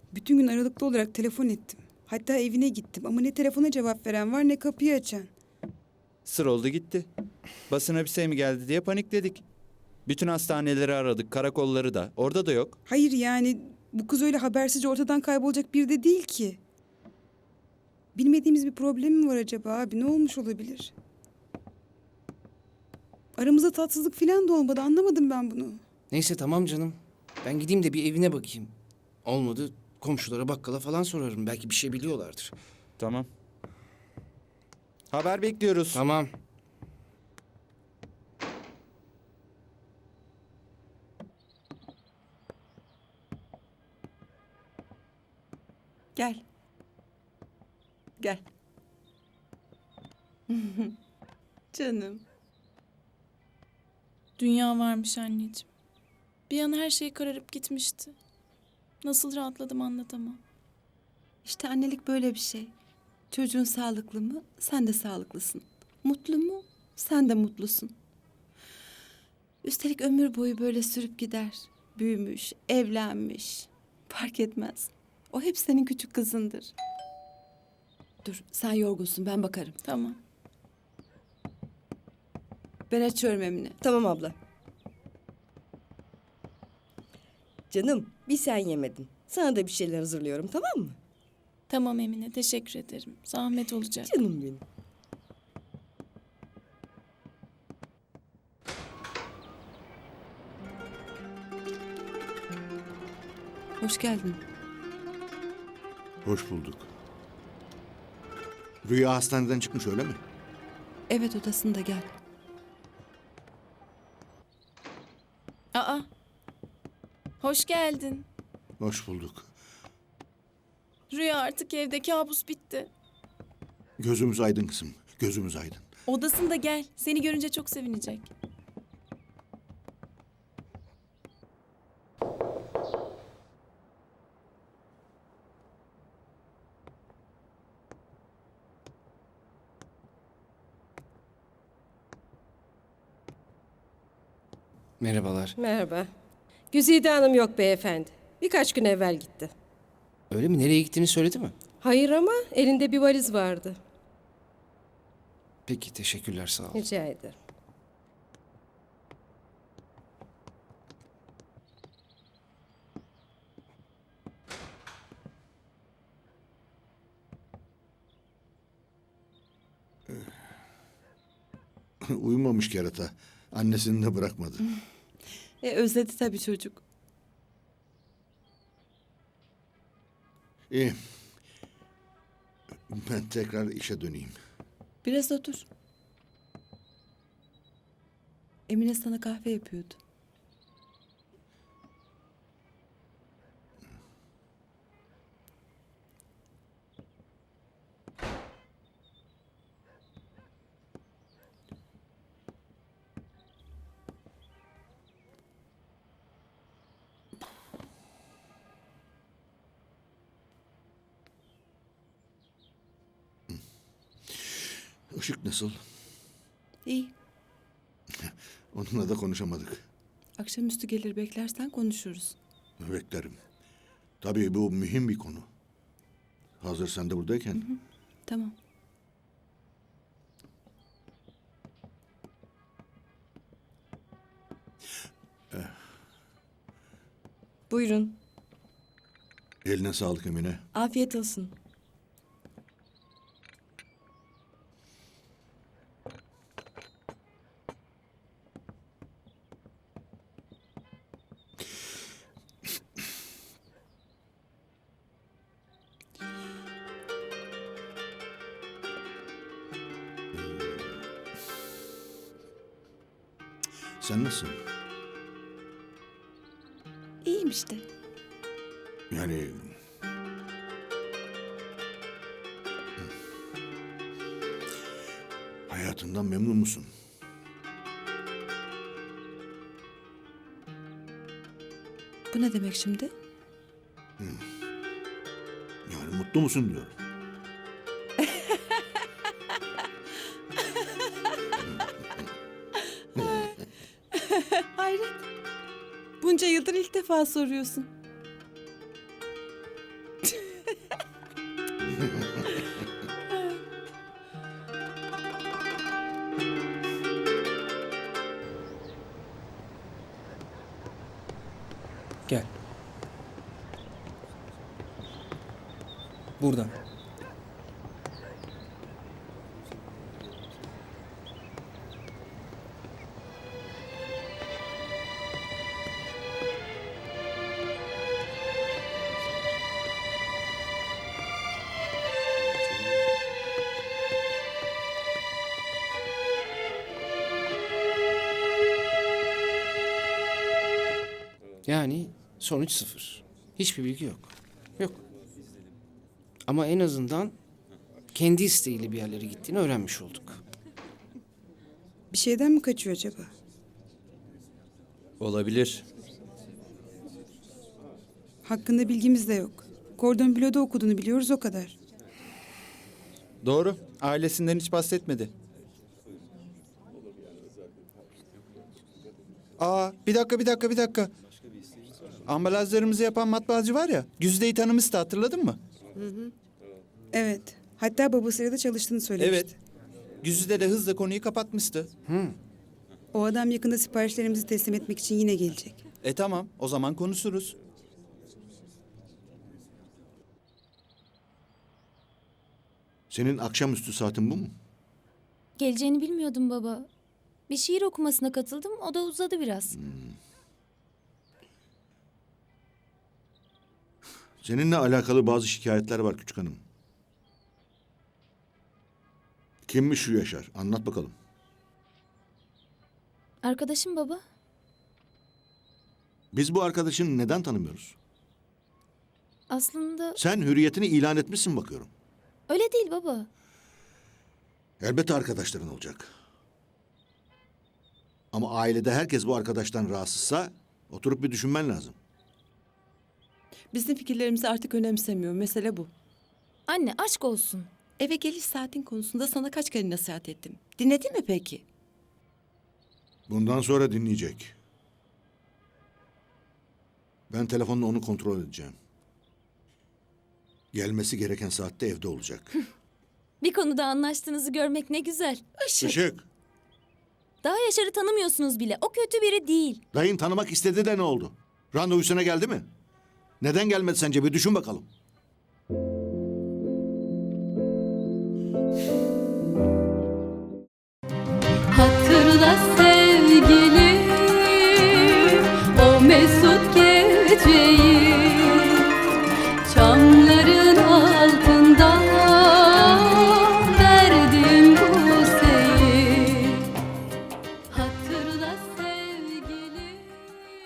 Bütün gün aralıklı olarak telefon ettim. Hatta evine gittim ama ne telefona cevap veren var ne kapıyı açan. Sır oldu gitti. Basına bir şey mi geldi diye panikledik. Bütün hastaneleri aradık, karakolları da. Orada da yok. Hayır yani bu kız öyle habersizce ortadan kaybolacak biri de değil ki. Bilmediğimiz bir problem mi var acaba abi? Ne olmuş olabilir? Aramızda tatsızlık falan da olmadı. Anlamadım ben bunu. Neyse tamam canım. Ben gideyim de bir evine bakayım. Olmadı komşulara bakkala falan sorarım. Belki bir şey biliyorlardır. Tamam. Haber bekliyoruz. Tamam. Gel. Gel. Canım. Dünya varmış anneciğim. Bir an her şey kararıp gitmişti. Nasıl rahatladım anlatamam. İşte annelik böyle bir şey. Çocuğun sağlıklı mı? Sen de sağlıklısın. Mutlu mu? Sen de mutlusun. Üstelik ömür boyu böyle sürüp gider. Büyümüş, evlenmiş. Fark etmez. O hep senin küçük kızındır. Dur, sen yorgunsun. Ben bakarım. Tamam. Ben açıyorum Emine. Tamam abla. Canım bir sen yemedin. Sana da bir şeyler hazırlıyorum tamam mı? Tamam Emine, teşekkür ederim. Zahmet olacak. Canım benim. Hoş geldin. Hoş bulduk. Rüya hastaneden çıkmış öyle mi? Evet, odasında gel. Aa, hoş geldin. Hoş bulduk. Rüya artık evde, kabus bitti. Gözümüz aydın kızım. Gözümüz aydın. Odasında gel. Seni görünce çok sevinecek. Merhabalar. Merhaba. Güzide Hanım yok beyefendi. Birkaç gün evvel gitti. Öyle mi? Nereye gittiğini söyledi mi? Hayır ama elinde bir valiz vardı. Peki teşekkürler sağ ol. Rica ederim. Uyumamış kerata. Annesini de bırakmadı. Özledi tabii çocuk. İyi. Ben tekrar işe döneyim. Biraz otur. Emine sana kahve yapıyordu. Işık nasıl? İyi. Onunla da konuşamadık. Akşamüstü gelir beklersen konuşuruz. Beklerim. Tabii bu mühim bir konu. Hazır sen de buradayken. Tamam. Buyurun. Eline sağlık Emine. Afiyet olsun. Sen nasılsın? İyiyim işte. Yani... Hayatından memnun musun? Bu ne demek şimdi? Yani mutlu musun diyorum. Hayret. Bunca yıldır ilk defa soruyorsun. Gel. Buradan. Yani sonuç sıfır. Hiçbir bilgi yok. Yok. Ama en azından kendi isteğiyle bir yerlere gittiğini öğrenmiş olduk. Bir şeyden mi kaçıyor acaba? Olabilir. Hakkında bilgimiz de yok. Kordon Bleu'da okuduğunu biliyoruz o kadar. Doğru. Ailesinden hiç bahsetmedi. Aa, bir dakika. Ambalajlarımızı yapan matbaacı var ya, Güzide'yi tanımıştı, hatırladın mı? Evet. Hatta babasıyla da çalıştığını söylemişti. Evet. Güzide de hızla konuyu kapatmıştı. O adam yakında siparişlerimizi teslim etmek için yine gelecek. Tamam, o zaman konuşuruz. Senin akşamüstü saatin bu mu? Geleceğini bilmiyordum baba. Bir şiir okumasına katıldım, o da uzadı biraz. Seninle alakalı bazı şikayetler var küçük hanım. Kimmiş şu Yaşar? Anlat bakalım. Arkadaşım baba. Biz bu arkadaşını neden tanımıyoruz? Aslında Sen hürriyetini ilan etmişsin bakıyorum. öyle değil baba. Elbette arkadaşların olacak. Ama ailede herkes bu arkadaştan rahatsızsa oturup bir düşünmen lazım. Bizim fikirlerimizi artık önemsemiyor. Mesele bu. Anne aşk olsun. Eve geliş saatin konusunda sana kaç kere nasihat ettim. Dinledin mi peki? Bundan sonra dinleyecek. Ben telefonla onu kontrol edeceğim. Gelmesi gereken saatte evde olacak. Bir konuda anlaştığınızı görmek ne güzel. Işık, Daha Yaşar'ı tanımıyorsunuz bile. O kötü biri değil. dayın tanımak istedi de ne oldu? Randevusuna geldi mi? Neden gelmedi sence? Bir düşün bakalım. Hatırla sen